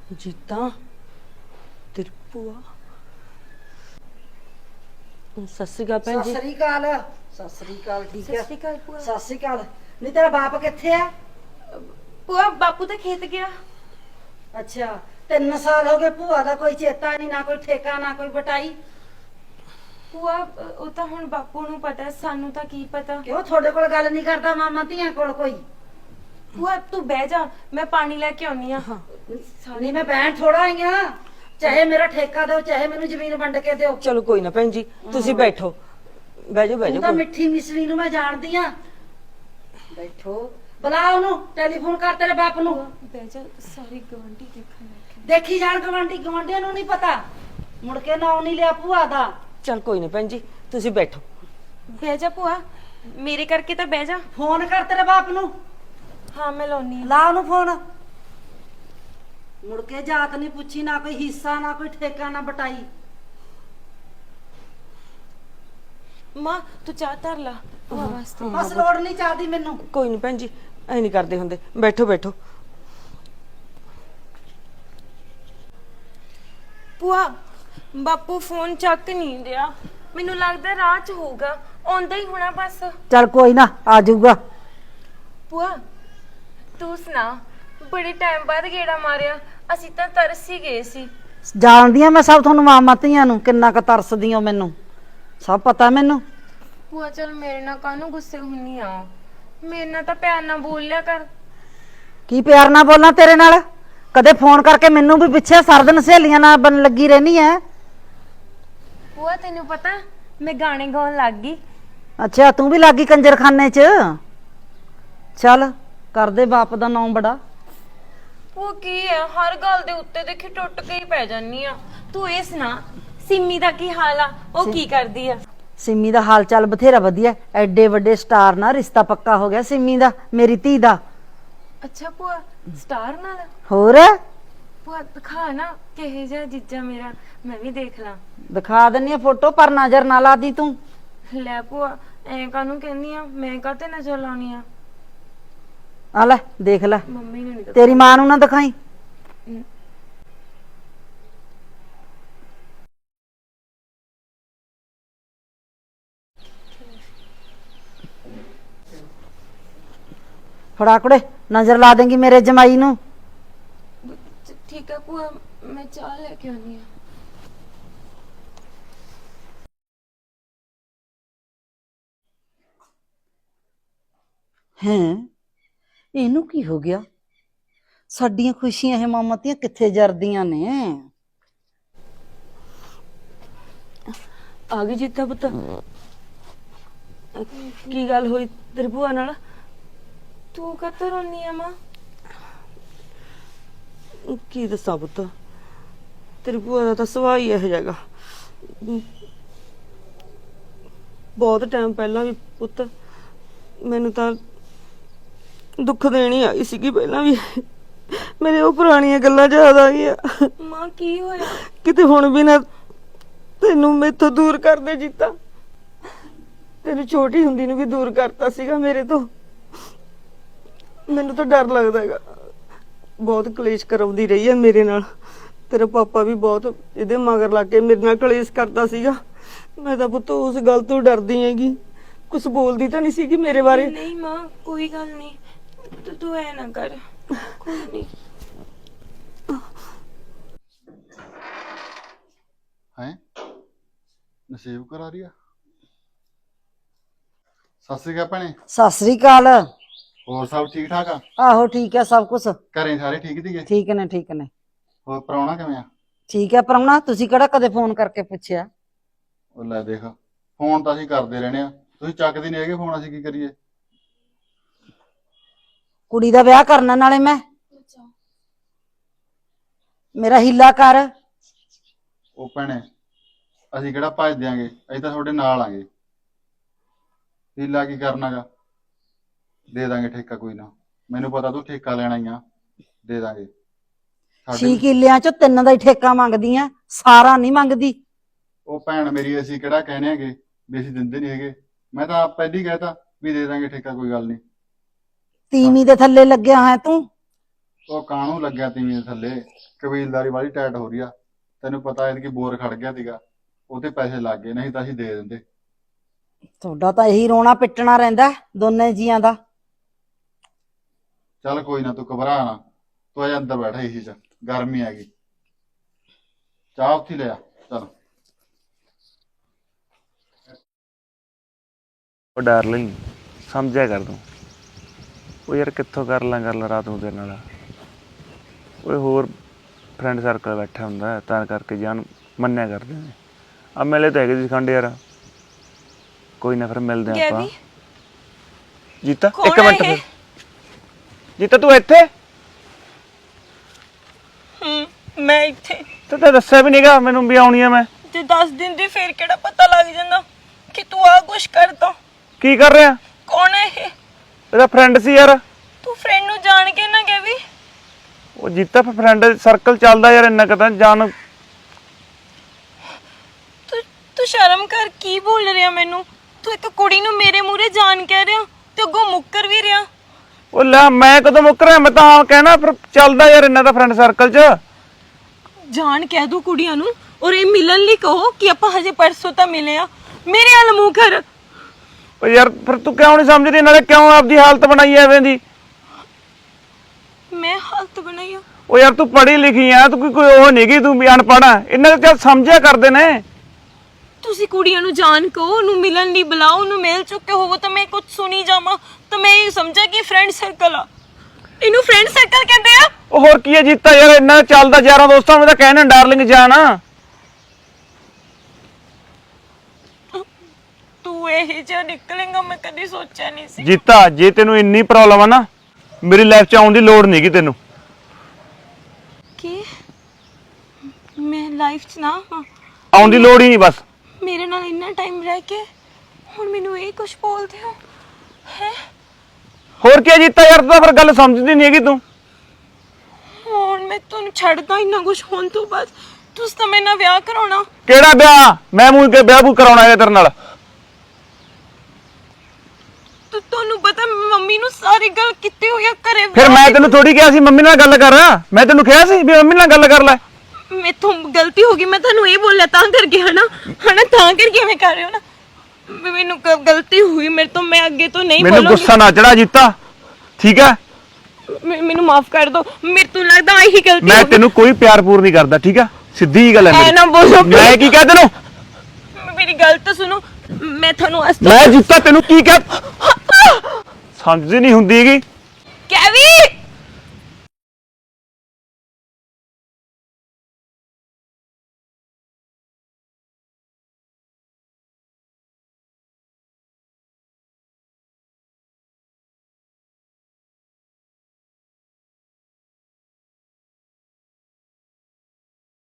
ਜੀਤਾ ਤੇਰੀ ਭੂਆ। ਸਤਿ ਸ਼੍ਰੀ ਅਕਾਲ ਭੈਣ ਜੀ। ਸਤਿ ਸ੍ਰੀ ਅਕਾਲ। ਸਤਿ ਸ੍ਰੀ ਅਕਾਲ। ਠੀਕ ਹੈ। ਸਤਿ ਸ਼੍ਰੀ ਅਕਾਲ ਭੂਆ। ਸਤਿ ਸ੍ਰੀ ਅਕਾਲ। ਨਹੀਂ ਤੇਰਾ ਬਾਪ ਕਿੱਥੇ ਆ? ਭੂਆ ਬਾਪੂ ਤਾਂ ਖੇਤ ਗਿਆ। ਅੱਛਾ 3 ਸਾਲ ਹੋ ਗਏ, ਭੂਆ ਦਾ ਕੋਈ ਚੇਤਾ ਨਹੀਂ, ਨਾ ਕੋਈ ਠੇਕਾ ਨਾ ਕੋਈ ਬਟਾਈ। ਭੂਆ ਉਹ ਤਾਂ ਹੁਣ ਬਾਪੂ ਨੂੰ ਪਤਾ, ਸਾਨੂੰ ਤਾਂ ਕੀ ਪਤਾ। ਕਿਉਂ ਤੁਹਾਡੇ ਕੋਲ ਗੱਲ ਨਹੀਂ ਕਰਦਾ ਮਾਮਾ ਧੀਆਂ ਕੋਲ ਕੋਈ? ਭੂਆ ਤੂੰ ਬਹਿ ਜਾ, ਮੈਂ ਪਾਣੀ ਲੈ ਕੇ ਆਉਣੀ ਆ। ਨਹੀਂ ਮੈਂ ਬੈਠ ਥੋੜਾ ਆਈ ਆ, ਚਾਹੇ ਮੇਰਾ ਠੇਕਾ ਦਿਓ ਚਾਹੇ ਮੈਨੂੰ ਜ਼ਮੀਨ ਵੰਡ ਕੇ ਦਿਓ। ਚਲੋ ਕੋਈ ਨਾ ਭੈਣ ਜੀ, ਤੁਸੀਂ ਬੈਠੋ। ਬਹਿ ਜਾਓ ਬਹਿ ਤੂੰ ਜਾਓ। ਤਾਂ ਮਿੱਠੀ ਮਿਸਰੀ ਨੂੰ ਮੈਂ ਜਾਣਦੀ ਆ। ਬੈਠੋ, ਬੁਲਾ ਉਹਨੂੰ, ਟੈਲੀਫੋਨ ਕਰ ਤੇਰੇ ਬਾਪ ਨੂੰ। ਬਹਿ ਜਾ, ਸਾਰੀ ਗਵਾਂਢੀ ਦੇਖਣ ਲੱਗੇ। ਦੇਖੀ ਜਾਣ ਗਵਾਂਢੀਆਂ ਨੂੰ ਨਹੀਂ ਪਤਾ, ਮੁੜ ਕੇ ਨਾਂ ਨਹੀਂ ਲਿਆ ਭੂਆ ਦਾ। ਚਲ ਕੋਈ ਨਾ ਭੈਣ ਜੀ, ਤੁਸੀਂ ਬੈਠੋ। ਬਹਿ ਜਾ ਭੂਆ, ਮੇਰੇ ਕਰਕੇ ਤਾਂ ਬਹਿ ਜਾ। ਫੋਨ ਕਰ ਤੇਰੇ ਬਾਪ ਨੂੰ। ਹਾਂ ਮੈਂ ਲਾਉਣੀ ਆ। ਲਾ ਉਹਨੂੰ ਫੋਨ। ਮੁੜ ਕੇ ਜਾਤ ਨਹੀਂ ਪੁੱਛੀ, ਨਾ ਕੋਈ ਹਿੱਸਾ ਨਾ ਕੋਈ ਠੇਕਾ ਨਾ ਬਟਾਈ। ਮਾਂ ਤੂੰ ਚਾਹ ਧਰ ਲਾ ਭੂਆ ਵਾਸਤੇ। ਬਸ ਲੋੜ ਨਹੀਂ ਚਾਹਦੀ ਮੈਨੂੰ। ਕੋਈ ਨਹੀਂ ਭੈਣ ਜੀ, ਐ ਨਹੀਂ ਕਰਦੇ ਹੁੰਦੇ। ਬੈਠੋ ਬੈਠੋ। ਭੂਆ ਬਾਪੂ ਫੋਨ ਚੱਕ ਨਹੀਂ ਰਿਹਾ, ਮੈਨੂੰ ਲੱਗਦਾ ਰਾਹ 'ਚ ਹੋਊਗਾ, ਆਉਂਦਾ ਹੀ ਹੋਣਾ ਬਸ। ਚੱਲ ਕੋਈ ਨਾ, ਆ ਜਾਊਗਾ। ਭੂਆ ਤੂੰ ਸੁਣਾ, ਬੜੇ ਟਾਈਮ ਬਾਅਦ ਗੇੜਾ ਮਾਰਿਆ, ਅਸੀਂ ਤਾਂ ਤਰਸ ਹੀ ਗਏ ਸੀ। ਜਾਣਦੀ ਆ ਮੈਂ ਸਭ, ਤੁਹਾਨੂੰ ਮਾਮਾ ਧੀਆਂ ਨੂੰ ਕਿੰਨਾ ਕੁ ਤਰਸਦੀ ਹੋ, ਮੈਨੂੰ ਸਭ ਪਤਾ ਮੈਨੂੰ। ਭੂਆ ਚਲ ਮੇਰੇ ਨਾਲ ਕਾਹਨੂੰ ਗੁੱਸੇ ਹੁੰਨੀ ਆ, ਮੇਰੇ ਨਾਲ ਤਾਂ ਪਿਆਰ ਨਾਲ ਬੋਲ ਲਿਆ ਕਰ। ਕੀ ਪਿਆਰ ਨਾਲ ਬੋਲਾਂ ਤੇਰੇ ਨਾਲ? ਕਦੇ ਫੋਨ ਕਰਕੇ ਮੈਨੂੰ ਵੀ ਪਿੱਛੇ ਸਰਦਨ ਸਹੇਲੀਆਂ ਨਾਲ ਬਣ ਲੱਗੀ ਰਹਿਣੀ ਐ। ਭੂਆ ਤੈਨੂੰ ਪਤਾ ਮੈਂ ਗਾਣੇ ਗਾਉਣ ਲੱਗ ਗਈ। ਅੱਛਾ ਤੂੰ ਵੀ ਲੱਗੀ ਕੰਜਰਖਾਨੇ 'ਚ? ਚੱਲ ਕਰਦੇ ਬਾਪ ਦਾ ਨਾਮ ਬੜਾ। ਉਹ ਕੀ ਹੈ, ਹਰ ਗੱਲ ਦੇ ਉੱਤੇ ਦੇਖੀ ਟੁੱਟ ਕੇ ਹੀ ਪੈ ਜਾਨੀ ਆ। ਤੂੰ ਇਹ ਸੁਣਾ, ਸਿੰਮੀ ਦਾ ਕੀ ਹਾਲ ਆ, ਉਹ ਕੀ ਕਰਦੀ ਆ? ਸਿੰਮੀ ਦਾ ਹਾਲ ਚਾਲ ਬਥੇਰਾ ਵਧੀਆ, ਐਡੇ ਵੱਡੇ ਸਟਾਰ ਨਾਲ ਰਿਸ਼ਤਾ ਪੱਕਾ ਹੋ ਗਿਆ ਸਿੰਮੀ ਦਾ, ਮੇਰੀ ਧੀ ਦਾ। ਅੱਛਾ ਭੂਆ, ਸਟਾਰ ਨਾਲ? ਹੋਰ ਭੂਆ ਦਿਖਾ ਨਾ ਕਿਹੇ ਜਿਹਾ ਜੀਜਾ ਮੇਰਾ, ਮੈਂ ਵੀ ਦੇਖ ਲਾਂ। ਦਿਖਾ ਦਿੰਨੀ ਆ ਫੋਟੋ, ਪਰ ਨਜ਼ਰ ਨਾ ਲਾ ਦੀ ਤੂੰ। ਲੈ ਭੂਆ ਐਂ ਕਾਹਨੂੰ ਕਹਿੰਦੀ ਆ, ਮੈਂ ਕਾਹਤੇ ਨਜ਼ਰ ਲਾਉਣੀ ਆ? ਆ ਲੈ ਦੇਖ ਲੈ, ਮੰਮੀ ਨੂੰ ਨਹੀਂ ਤੇਰੀ ਮਾਂ ਨੂੰ ਨਾ ਦਿਖਾਈ। ਫੜਾ ਕੁੜੇ, ਨਜ਼ਰ ਲਾ ਦੇਂਗੀ ਮੇਰੇ ਜਮਾਈ ਨੂੰ। ਠੀਕ ਹੈ ਭੂਆ, ਮੈਂ ਚਾਹ ਲੈ ਕੇ ਆਉਣੀ ਆ। ਹੈਂ, ਇਹਨੂੰ ਕੀ ਹੋ ਗਿਆ? ਸਾਡੀਆਂ ਖੁਸ਼ੀਆਂ ਇਹ ਮਾਮਤੀਆਂ ਕਿੱਥੇ ਜਰਦੀਆਂ ਨੇ? ਆ ਗਈ ਜੀਤਾ ਪੁੱਤ, ਕੀ ਗੱਲ ਹੋਈ ਤੇਰੀ ਭੂਆ ਨਾਲ? ਤੂੰ ਕਾਹਤੋਂ ਰੋਨੀ ਆ ਮਾਂ? ਕੀ ਦੱਸਾਂ ਪੁੱਤ, ਤੇਰੀ ਭੂਆ ਦਾ ਤਾਂ ਸੁਭਾਅ ਹੀ ਇਹੋ ਜਿਹਾ। ਬਹੁਤ ਟਾਈਮ ਪਹਿਲਾਂ ਵੀ ਪੁੱਤ ਮੈਨੂੰ ਤਾਂ ਦੁੱਖ ਦੇਣੀ ਆਈ ਸੀਗੀ, ਪਹਿਲਾਂ ਵੀ ਮੇਰੇ ਉਹ ਪੁਰਾਣੀਆਂ ਗੱਲਾਂ ਯਾਦ ਆ ਗਈਆਂ। ਮਾਂ ਕੀ ਹੋਇਆ? ਕਿਤੇ ਹੁਣ ਵੀ ਨਾ ਤੈਨੂੰ ਮੈਥੋਂ ਦੂਰ ਕਰਦੇ ਜੀਤਾ। ਤੈਨੂੰ ਛੋਟੀ ਹੁੰਦੀ ਨੂੰ ਵੀ ਦੂਰ ਕਰਤਾ ਸੀਗਾ ਮੇਰੇ ਤੋਂ। ਮੈਨੂੰ ਤਾਂ ਡਰ ਲੱਗਦਾ ਹੈਗਾ, ਬਹੁਤ ਕਲੇਸ਼ ਕਰਾਉਂਦੀ ਰਹੀ ਹੈ ਮੇਰੇ ਨਾਲ। ਤੇਰਾ ਪਾਪਾ ਵੀ ਬਹੁਤ ਇਹਦੇ ਮਗਰ ਲੱਗ ਕੇ ਮੇਰੇ ਨਾਲ ਕਲੇਸ਼ ਕਰਦਾ ਸੀਗਾ। ਮੈਂ ਤਾਂ ਪੁੱਤ ਉਸ ਗੱਲ ਤੋਂ ਡਰਦੀ ਹੈਗੀ, ਕੁਝ ਬੋਲਦੀ ਤਾਂ ਨਹੀਂ ਸੀਗੀ ਮੇਰੇ ਬਾਰੇ। ਨਹੀਂ ਮਾਂ ਕੋਈ ਗੱਲ ਨਹੀਂ, ਤੂੰ ਐ ਨਾ ਕਰ, ਕੋਈ ਨਹੀਂ। ਹੈ ਨਸੀਬ ਕਰਾ ਰਹੀ ਆ। ਸਤਿ ਸ੍ਰੀ ਅਕਾਲ ਭੈਣੇ। ਸਤਿ ਸ੍ਰੀ ਅਕਾਲ। ਹੋਰ ਸਭ ਠੀਕ ਠਾਕ ਆ? ਆਹੋ ਠੀਕ ਹੈ ਸਭ ਕੁਛ। ਘਰੇ ਸਾਰੇ ਠੀਕ ਸੀਗੇ? ਠੀਕ ਨੇ ਠੀਕ ਨੇ। ਹੋਰ ਪ੍ਰਾਹੁਣਾ ਕਿਵੇਂ ਆ? ਠੀਕ ਹੈ ਪ੍ਰਾਹੁਣਾ, ਤੁਸੀਂ ਕਿਹੜਾ ਕਦੇ ਫੋਨ ਕਰਕੇ ਪੁੱਛਿਆ? ਉਹ ਲੈ ਦੇਖ, ਫੋਨ ਤਾਂ ਅਸੀਂ ਕਰਦੇ ਰਹਿੰਦੇ ਆ, ਤੁਸੀਂ ਚੱਕਦੇ ਨਹੀਂ ਹੈਗੇ ਫੋਨ, ਅਸੀਂ ਕੀ ਕਰੀਏ? ਕੁੜੀ ਦਾ ਵਿਆਹ ਕਰਨਾ ਨਾਲੇ ਮੈਂ, ਮੇਰਾ ਹੀਲਾ ਕਰ। ਉਹ ਭੈਣੇ ਅਸੀਂ ਕਿਹੜਾ ਭੱਜ ਦਿਆਂਗੇ, ਅਸੀਂ ਤਾਂ ਤੁਹਾਡੇ ਨਾਲ ਆਂਗੇ। ਹੀਲਾ ਕੀ ਕਰਨਾਗਾ, ਦੇ ਦਾਂਗੇ ਠੇਕਾ, ਕੋਈ ਨਾ। ਮੈਨੂੰ ਪਤਾ ਤੂੰ ਠੇਕਾ ਲੈਣਾ ਹੀ ਆ, ਦੇ ਦਾਂਗੇ। 6 ਕਿੱਲਿਆਂ ਚੋਂ 3 ਦਾ ਹੀ ਠੇਕਾ ਮੰਗਦੀ ਆ, ਸਾਰਾ ਨਹੀਂ ਮੰਗਦੀ। ਉਹ ਭੈਣ ਮੇਰੀ, ਅਸੀਂ ਕਿਹੜਾ ਕਹਿੰਦੇ ਹੈਗੇ ਵੀ ਅਸੀਂ ਦਿੰਦੇ ਨਹੀਂ ਹੈਗੇ। ਮੈਂ ਤਾਂ ਆਪ ਪਹਿਲੀ ਕਹਿਤਾ ਵੀ ਦੇ ਦਾਂਗੇ ਠੇਕਾ, ਕੋਈ ਗੱਲ ਨਹੀਂ। ਤੀਵੀਂ ਦੇ ਥੱਲੇ ਲੱਗਿਆ ਹੈ ਤੂੰ। ਉਹ ਕਾਹਨੂੰ ਲੱਗਿਆ ਤੀਵੀਂ ਦੇ ਥੱਲੇ। ਕਬੀਲਦਾਰੀ ਵਾਲੀ ਟਾਈਟ ਹੋ ਰਹੀ ਆ। ਤੈਨੂੰ ਪਤਾ ਇਹਦੀ ਬੋਰ ਖੜ ਗਿਆ ਸੀਗਾ, ਉਹਤੇ ਪੈਸੇ ਲੱਗ ਗਏ, ਨਹੀਂ ਤਾਂ ਅਸੀਂ ਦੇ ਦਿੰਦੇ। ਤੁਹਾਡਾ ਤਾਂ ਇਹੀ ਰੋਣਾ ਪਿੱਟਣਾ ਰਹਿੰਦਾ ਦੋਨੇ ਜੀਆਂ ਦਾ। ਚੱਲ ਕੋਈ ਨਾ, ਤੂੰ ਘਬਰਾ ਨਾ, ਤੂੰ ਅਜੇ ਅੰਦਰ ਬੈਠ ਏਸੀ 'ਚ, ਗਰਮੀ ਆ ਗਈ। ਚਾਹ ਉੱਥੇ ਹੀ ਲਿਆ ਚੱਲ। ਉਹ ਡਾਰਲਿੰਗ ਸਮਝਿਆ ਕਰ ਤੂੰ। ਉਹ ਯਾਰ ਕਿੱਥੋਂ ਕਰ ਲਾਂ ਗੱਲ ਰਾਤ ਨੂੰ ਤੇਰੇ ਨਾਲ। ਓਏ ਹੋਰ ਫਰੈਂਡ ਸਰਕਲ ਬੈਠਾ ਹੁੰਦਾ ਤਾਂ ਕਰਕੇ ਜਾਨ ਮੰਨਿਆ ਕਰਦੇ ਨੇ। ਆ ਮਿਲੇ ਤਾਂ ਹੈਗੇ ਸੀ ਖੰਡ ਯਾਰ, ਕੋਈ ਨਾ ਫਿਰ ਮਿਲਦੇ ਆਂ ਆਪਾਂ। ਜੀਤਾ ਇੱਕ ਮਿੰਟ ਫਿਰ। ਜੀਤਾ ਤੂੰ ਇੱਥੇ? ਮੈਂ ਇੱਥੇ ਤੇ ਤਾਂ ਦੱਸਿਆ ਵੀ ਨਹੀਂਗਾ ਮੈਨੂੰ ਵੀ ਆਉਣੀ ਆ ਮੈਂ। ਤੇ 10 ਦਿਨ ਦੀ ਫੇਰ ਕਿਹੜਾ ਪਤਾ ਲੱਗ ਜਾਂਦਾ ਕਿ ਤੂੰ ਆ ਕੁਛ ਕਰਦਾ। ਕੀ ਕਰ ਰਿਹਾ? ਕੌਣ ਹੈ ਇਹ? ਇਹਦਾ ਫਰੈਂਡ ਸੀ ਯਾਰ। ਤੂੰ ਫਰੈਂਡ ਨੂੰ ਜਾਣ ਕੇ ਨਾ ਕਹਿ ਵੀ। ਉਹ ਜੀਤਾ ਫਿਰ ਫਰੈਂਡ ਸਰਕਲ ਚੱਲਦਾ ਯਾਰ, ਇੰਨਾ ਕਦਾਂ ਜਾਣ। ਤੂੰ ਸ਼ਰਮ ਕਰ, ਕੀ ਬੋਲ ਰਿਹਾ ਮੈਨੂੰ? ਤੂੰ ਇੱਕ ਕੁੜੀ ਨੂੰ ਮੇਰੇ ਮੂਹਰੇ ਜਾਣ ਕਹਿ ਰਿਹਾ ਤੇ ਅੱਗੋਂ ਮੁੱਕਰ ਵੀ ਰਿਹਾ। ਉਹ ਲੈ ਮੈਂ ਕਦੋਂ ਮੁੱਕ ਰਿਹਾ? ਮੈਂ ਤਾਂ ਹਾਂ ਕਹਿਣਾ ਫਿਰ ਚੱਲਦਾ ਯਾਰ ਇੰਨਾ ਤਾਂ ਫਰੈਂਡ ਸਰਕਲ 'ਚ। ਜਾਣ ਕਹਿ ਦੂ ਕੁੜੀਆਂ ਨੂੰ ਔਰ ਇਹ ਮਿਲਣ ਲਈ ਕਹੋ ਕਿ ਆਪਾਂ ਹਜੇ ਪਰਸੋਂ ਤਾਂ ਮਿਲੇ ਆ। ਮੇਰੇ ਹਾਲ ਮੂੰਹ ਕਰ। ਉਹ ਯਾਰ ਫਿਰ ਤੂੰ ਕਿਉਂ ਨਹੀਂ ਸਮਝਦੀ? ਨਾਲੇ ਕਿਉਂ ਆਪਦੀ ਹਾਲਤ ਬਣਾਈ ਐਵੇਂ ਦੀ? ਮੈਂ ਹਾਲਤ ਬਣਾਈ ਆ? ਉਹ ਯਾਰ ਤੂੰ ਪੜ੍ਹੀ ਲਿਖੀ ਆ, ਤੂੰ ਕੋਈ ਉਹ ਨਹੀਂ ਗੀ, ਤੂੰ ਵੀ ਅਨਪੜ੍ਹ ਆ। ਇਹਨਾਂ ਦੇ ਸਮਝਿਆ ਕਰਦੇ ਨੇ। ਤੁਸੀਂ ਕੁੜੀਆਂ ਨੂੰ ਜਾਣ ਕਹੋ, ਉਹਨੂੰ ਮਿਲਣ ਲਈ ਬੁਲਾਓ, ਉਹਨੂੰ ਮਿਲ ਚੁੱਕੇ ਹੋਵੋ ਤਾਂ ਮੈਂ ਕੁਝ ਸੁਣੀ ਜਾਵਾਂ ਤਾਂ ਮੈਂ ਇਹ ਸਮਝਾਂ ਕਿ ਫਰੈਂਡ ਸਰਕਲ ਆ। ਇਹਨੂੰ ਫਰੈਂਡ ਸਰਕਲ ਕਹਿੰਦੇ ਆ। ਉਹ ਹੋਰ ਕੀ ਹੈ ਜੀਤਾ ਯਾਰ, ਇੰਨਾ ਚੱਲਦਾ ਯਾਰਾਂ ਦੋਸਤਾਂ ਨੂੰ ਤਾਂ ਕਹਿਣਾ ਡਾਰਲਿੰਗ ਜਾਨ। ਤੂੰ ਇਹ ਜਿਹਾ ਨਿਕਲੇਗਾ ਮੈਂ ਕਦੀ ਸੋਚਿਆ ਨਹੀਂ ਸੀ। ਜੀਤਾ ਜੇ ਤੈਨੂੰ ਇੰਨੀ ਪ੍ਰੋਬਲਮ ਆ ਨਾ, ਮੇਰੀ ਲਾਈਫ 'ਚ ਆਉਣ ਦੀ ਲੋੜ ਨਹੀਂਗੀ ਤੈਨੂੰ। ਕੀ ਮੈਂ ਲਾਈਫ 'ਚ ਨਾ ਹਾਂ? ਆਉਣ ਦੀ ਲੋੜ ਹੀ ਨਹੀਂ ਬਸ। ਮੇਰੇ ਨਾਲ ਇੰਨਾ ਟਾਈਮ ਰਹਿ ਕੇ ਹੁਣ ਮੈਨੂੰ ਇਹ ਕੁਝ ਬੋਲਦੇ ਹੋ ਹੈ? ਹੋਰ ਕੀ ਹੈ ਜੀਤਾ ਯਾਰ, ਤੂੰ ਤਾਂ ਫਿਰ ਗੱਲ ਸਮਝਦੀ ਨਹੀਂ ਹੈਗੀ ਤੂੰ। ਹੁਣ ਮੈਂ ਤੁਹਾਨੂੰ ਛੱਡਦਾ ਇੰਨਾ ਕੁਝ ਹੋਣ ਤੋਂ ਬਾਅਦ। ਤੁਸੀਂ ਤਾਂ ਮੇਰੇ ਨਾਲ ਵਿਆਹ ਕਰਾਉਣਾ। ਕਿਹੜਾ ਵਿਆਹ? ਮੈਂ ਮੂੰਹ ਕੇ ਵਿਆਹ ਕਰਾਉਣਾ ਹੈ ਤੇਰੇ ਨਾਲ। ਤੁਹਾਨੂੰ ਪਤਾ ਮੰਮੀ ਨੂੰ ਸਾਰੀ ਗੱਲ ਕੀਤੀ ਹੋਈ ਆ ਘਰੇ। ਫਿਰ ਮੈਂ ਤੈਨੂੰ ਥੋੜੀ ਕਿਹਾ ਸੀ ਮੰਮੀ ਨਾਲ ਗੱਲ ਕਰ। ਮੈਂ ਤੈਨੂੰ ਕਿਹਾ ਸੀ ਵੀ ਮੰਮੀ ਨਾਲ ਗੱਲ ਕਰ ਲੈ। ਮੇਥੋਂ ਗਲਤੀ ਹੋ ਗਈ, ਮੈਂ ਤੁਹਾਨੂੰ ਇਹ ਬੋਲਿਆ ਤਾਂ ਕਰਕੇ ਹਨਾ ਤਾਂ ਕਰਕੇ ਮੈਂ ਕਰ ਰਿਹਾ ਨਾ। ਮੈਨੂੰ ਗਲਤੀ ਹੋਈ ਮੇਰੇ ਤੋਂ, ਮੈਂ ਅੱਗੇ ਤੋਂ ਨਹੀਂ ਬੋਲੂੰਗੀ। ਮੈਨੂੰ ਗੁੱਸਾ ਨਾ ਚੜਾ ਜੀਤਾ, ਠੀਕ ਹੈ? ਮੈਨੂੰ ਮਾਫ ਕਰ ਦਿਓ, ਮੇਰੇ ਤੋਂ ਲੱਗਦਾ ਆਹੀ ਗਲਤੀ ਮੈਂ ਤੈਨੂੰ ਕੋਈ ਪਿਆਰ ਪੂਰ ਨਹੀਂ ਕਰਦਾ, ਠੀਕ ਹੈ? ਸਿੱਧੀ ਜੀ ਗੱਲ ਹੈ ਐ ਨਾ ਬੋਲੋ। ਮੈਂ ਕੀ ਕਹਿ ਤੈਨੂੰ? ਮੇਰੀ ਗੱਲ ਤਾਂ ਸੁਣੋ। ਮੈਂ ਤੁਹਾਨੂੰ ਮੈਂ ਜੀਤਾ ਤੈਨੂੰ ਕੀ ਕਹਿ? ਸਮਝਦੀ ਨਹੀਂ ਹੁੰਦੀ ਹੈਗੀ। ਕੈਵੀ